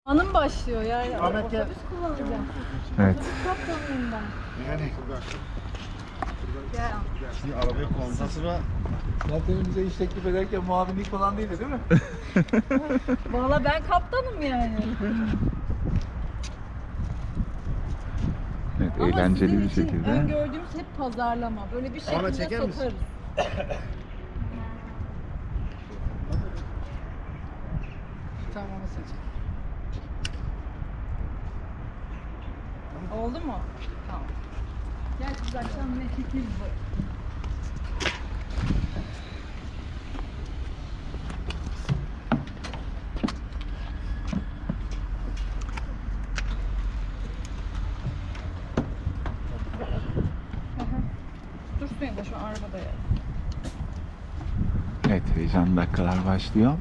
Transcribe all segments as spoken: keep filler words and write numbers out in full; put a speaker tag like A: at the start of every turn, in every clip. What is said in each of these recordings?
A: Anım başlıyor yani.
B: Ahmet gel.
A: Otobüs kullanacağım.
C: Evet.
A: Otobüs kaptanıyım ben.
B: Yani
A: Gel.
B: şimdi arabaya kondan sonra
D: Zaten bize iş teklif ederken muavinlik falan değildi değil mi?
A: Valla ben kaptanım yani.
C: Evet,
A: Ama
C: eğlenceli
A: sizin
C: bir
A: için
C: şekilde.
A: öngördüğümüz hep pazarlama. Böyle bir
B: Ahmet,
A: şekilde
B: çeker misin?
A: satarız.
D: Tamam onu seç.
A: Oldu mu? Tamam. Gel biz akşam ne çekeriz bu. Dursun ya da şu arabada ya.
C: Evet, heyecanlı dakikalar başlıyor.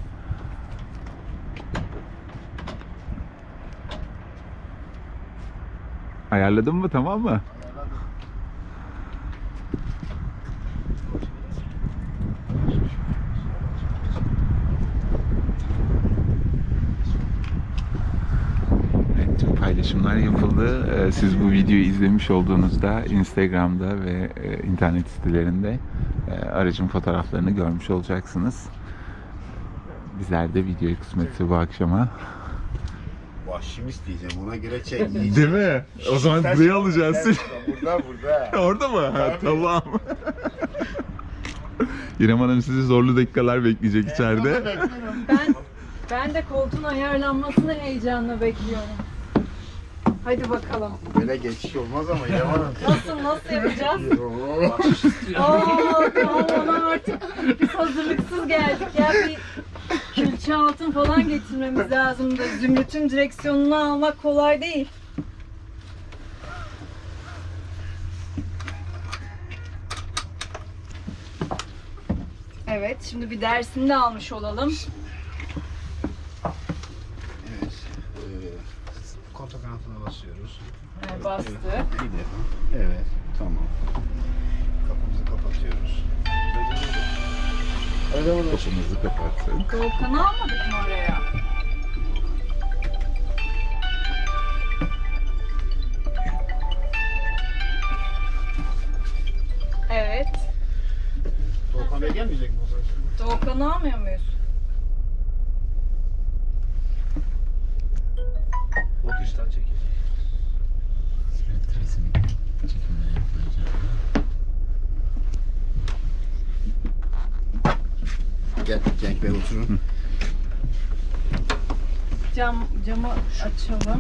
C: Ayarladın mı, tamam mı? Evet, tüm paylaşımlar yapıldı. Ee, Siz bu videoyu izlemiş olduğunuzda Instagram'da ve e, internet sitelerinde e, aracın fotoğraflarını görmüş olacaksınız. Bizler de videoyu kısmetse bu akşama.
B: Vahşimiz diyeceğim, ona göre çek.
C: Değil mi? O zaman buraya alacağız.
B: Burada burada.
C: Orada mı? Ha,
B: Tabii.
C: tamam. İrem Hanım sizi zorlu dakikalar bekleyecek içeride.
A: Ben ben de koltuğun ayarlanmasını heyecanla bekliyorum. Hadi bakalım.
B: Böyle geçiş olmaz ama yaman.
A: Nasıl nasıl yapacağız? Aa tamam, ona artık biz hazırlıksız geldik ya, bir külçe altın falan getirmemiz lazım da Zümrüt'ün direksiyonunu almak kolay değil. Evet, şimdi bir dersini de almış olalım.
B: Evet. Ee, kontak kanatına basıyoruz.
A: Evet, bastık.
B: Bir de. Evet. Tamam. Kapımızı kapatıyoruz. Evet, evet.
C: Kapımızı kapattık.
A: Doğukan'ı almadık mı oraya? Evet.
B: Doğukan Bey gelmeyecek mi o zaman?
A: Doğukan'ı almıyor muyuz?
B: O dıştan çekecek.
C: Evet, resmi çekimler yapılacak.
B: Gel Cenk Bey oturun.
A: Cam, camı açalım.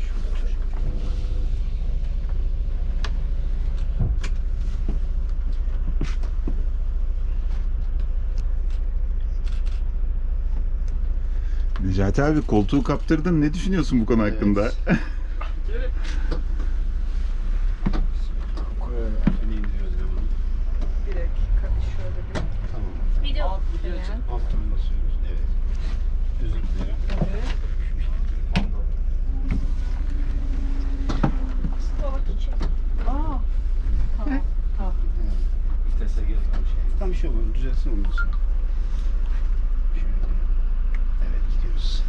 C: Necati abi, koltuğu kaptırdın. Ne düşünüyorsun bu konu hakkında?
B: Seni indiriyoruz hemen.
A: Bir dakika şöyle bir.
B: Tamam.
A: Video falan.
B: Alttan basıyoruz. Evet. Özür dilerim.
A: Evet. Aa. Tamam. Tamam.
B: Vitese geri tam şey. Tam bir şey olur. Düzelsin ondan sonra. Şöyle. Evet, gidiyoruz.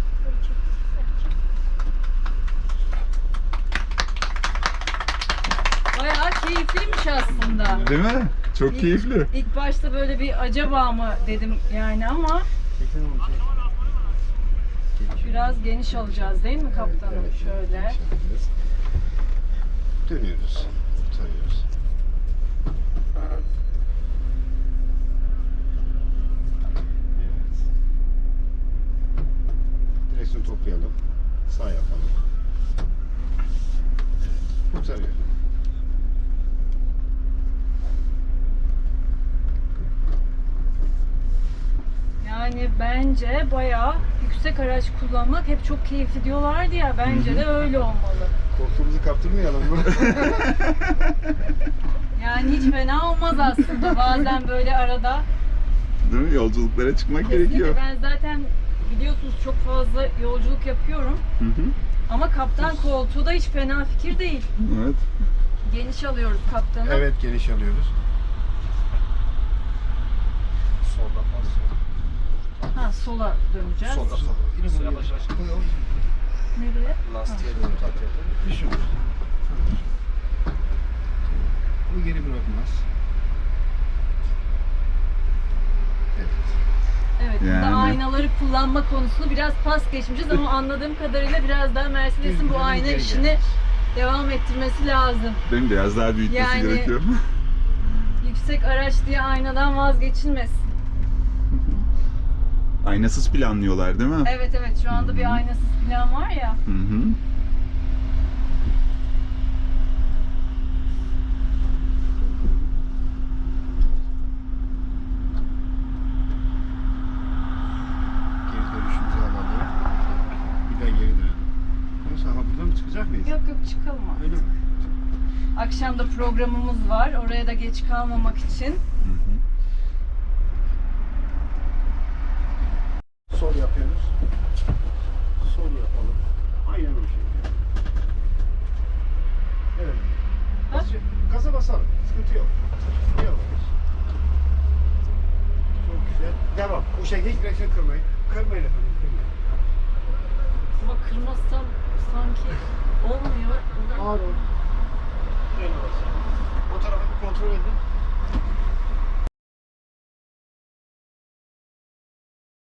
A: Bayağı keyifliymiş aslında.
C: Değil mi? Çok
A: İlk-
C: keyifli.
A: İlk başta böyle bir acaba mı dedim yani ama
B: Çeksen onu şey.
A: biraz geniş alacağız değil mi kaptanım? Şöyle.
B: Dönüyoruz. Tutuyoruz. Evet. Direksiyonu toplayalım. Sağ yapalım. Evet. Kurtarıyor.
A: Yani bence bayağı yüksek araç kullanmak hep çok keyifli diyorlardı ya, bence de öyle olmalı.
B: Koltuğumuzu kaptırmayalım mı?
A: Yani hiç fena olmaz aslında bazen böyle arada.
C: Değil mi? Yolculuklara çıkmak gerekiyor.
A: Kesinlikle, ben zaten biliyorsunuz çok fazla yolculuk yapıyorum.
C: Hı hı.
A: Ama kaptan koltuğu da hiç fena fikir değil.
C: Evet.
A: Geniş alıyoruz kaptanı.
B: Evet, geniş alıyoruz. Soldan basıyoruz.
A: Ha, sola döneceğiz.
B: Solda solda. Yine yavaş yavaş. Lastiğe doğru takıyordum. Bir şey olmaz. Bu geri bırakmaz. Evet.
A: Evet, burada
C: Yani-
A: aynaları kullanma konusunu biraz pas geçmişiz ama anladığım kadarıyla biraz daha Mercedes'in bu
B: Düzgün
A: ayna
B: geri
A: işini
B: gelmez.
A: devam ettirmesi lazım.
C: Benim biraz daha büyütmesi
A: Yani-
C: gerekiyor.
A: Yüksek araç diye aynadan vazgeçilmesin.
C: Aynasız planlıyorlar değil mi?
A: Evet evet, şu anda bir aynasız plan var ya.
C: Hı hı.
B: Geri dönüşümüzü alalım. Bir daha geri dönelim. Nasıl? Ha buradan mı çıkacak mıyız?
A: Yok yok, çıkalım artık.
B: Öyle mi?
A: Akşam da programımız var. Oraya da geç kalmamak için.
C: Hı hı.
B: Sol yapıyoruz. Sol yapalım. Aynen o şekilde. Evet.
A: Ha?
B: Gaza basalım. Sıkıntı yok. Yavaş. Çok güzel. Devam. Bu şekilde hiç direksiyon kırmayın. Kırmayın efendim. Kırmayın.
A: Ama kırmazsam sanki olmuyor.
B: Ağır ol.